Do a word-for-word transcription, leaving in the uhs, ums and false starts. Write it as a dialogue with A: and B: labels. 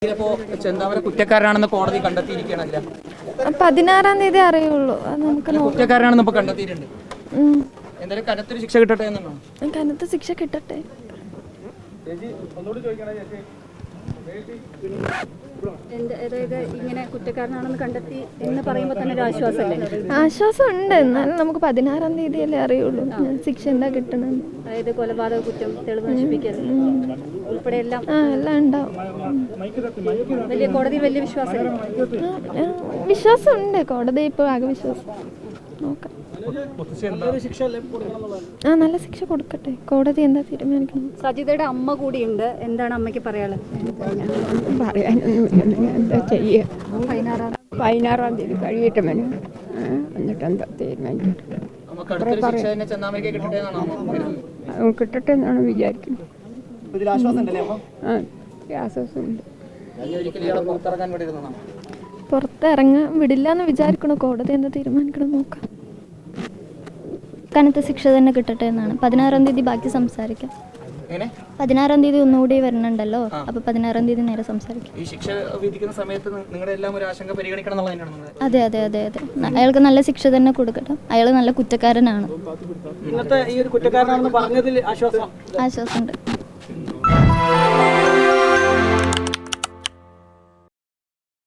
A: കുറ്റക്കാരനാണെന്ന് കോടതി കണ്ടെത്തിയിരിക്കുകയാണല്ലോ.
B: പതിനാറാം തീയതി അറിയുള്ളൂ. നമുക്ക്
A: കുറ്റക്കാരനാണെന്ന് ഇപ്പൊ കണ്ടെത്തിയിട്ടുണ്ട്. എന്തായാലും കനത്തൊരു ശിക്ഷ കിട്ടട്ടെ എന്നാണോ?
B: കനത്ത ശിക്ഷ കിട്ടട്ടെ.
C: അതായത് ഇങ്ങനെ കുറ്റക്കാരനാണെന്ന് കണ്ടെത്തി എന്ന് പറയുമ്പോൾ തന്നെ ഒരു ആശ്വാസമല്ലേ?
B: ആശ്വാസം ഉണ്ട്. എന്നാലും നമുക്ക് പതിനാറാം തീയതിയല്ലേ അറിയുള്ളൂ ശിക്ഷ എന്താ കിട്ടണം.
C: അതായത് കൊലപാതക കുറ്റം, തെളിവ് നശിപ്പിക്കൽ ഉൾപ്പെടെ എല്ലാം
B: ആ എല്ലാം ഉണ്ടാവും.
C: വലിയ കോടതിയിൽ വലിയ വിശ്വാസം
B: വിശ്വാസം ഉണ്ട്. കോടതി ഇപ്പോൾ ആകെ വിശ്വാസം. നോക്കാം. ആ നല്ല ശിക്ഷ കൊടുക്കട്ടെ. കോടതി എന്താ തീരുമാനിക്കണം.
C: സജിതയുടെ അമ്മ കൂടിയുണ്ട്. എന്താണ് അമ്മയ്ക്ക് പറയാനുള്ളത്?
D: പറയാനൊന്നും എന്താ ചെയ്യുക. പതിനാറാം പതിനാറാം തീയതി കഴിയട്ടെ മേനും. എന്നിട്ട് എന്താ തീരുമാനിക്കട്ടെ. കിട്ടട്ടെ എന്നാണ് വിചാരിക്കുന്നത്. ആ ആശ്വാസമുണ്ട്.
B: പുറത്തിറങ്ങാൻ വിടില്ല എന്ന് വിചാരിക്കണോ? കോടതി എന്താ തീരുമാനിക്കണം നോക്കാം.
E: കനത്ത ശിക്ഷ തന്നെ കിട്ടട്ടെ എന്നാണ്. പതിനാറാം തീയതി ബാക്കി സംസാരിക്കാം. പതിനാറാം തീയതി ഒന്നുകൂടി വരണുണ്ടല്ലോ. അപ്പൊ പതിനാറാം തീയതി നേരെ സംസാരിക്കാം.
A: ഈ ശിക്ഷ വിധിക്കുന്ന സമയത്ത് നിങ്ങളുടെ എല്ലാം ഒരു ആശങ്ക പരിഗണിക്കണം എന്നുള്ളതാണ്.
E: അതെ അതെ അതെ അതെ അയാൾക്ക് നല്ല ശിക്ഷ തന്നെ കൊടുക്കട്ടെ. അയാൾ നല്ല കുറ്റക്കാരനാണ്.
A: ആശ്വാസമുണ്ട്.
E: ആശ്വാസമുണ്ട്.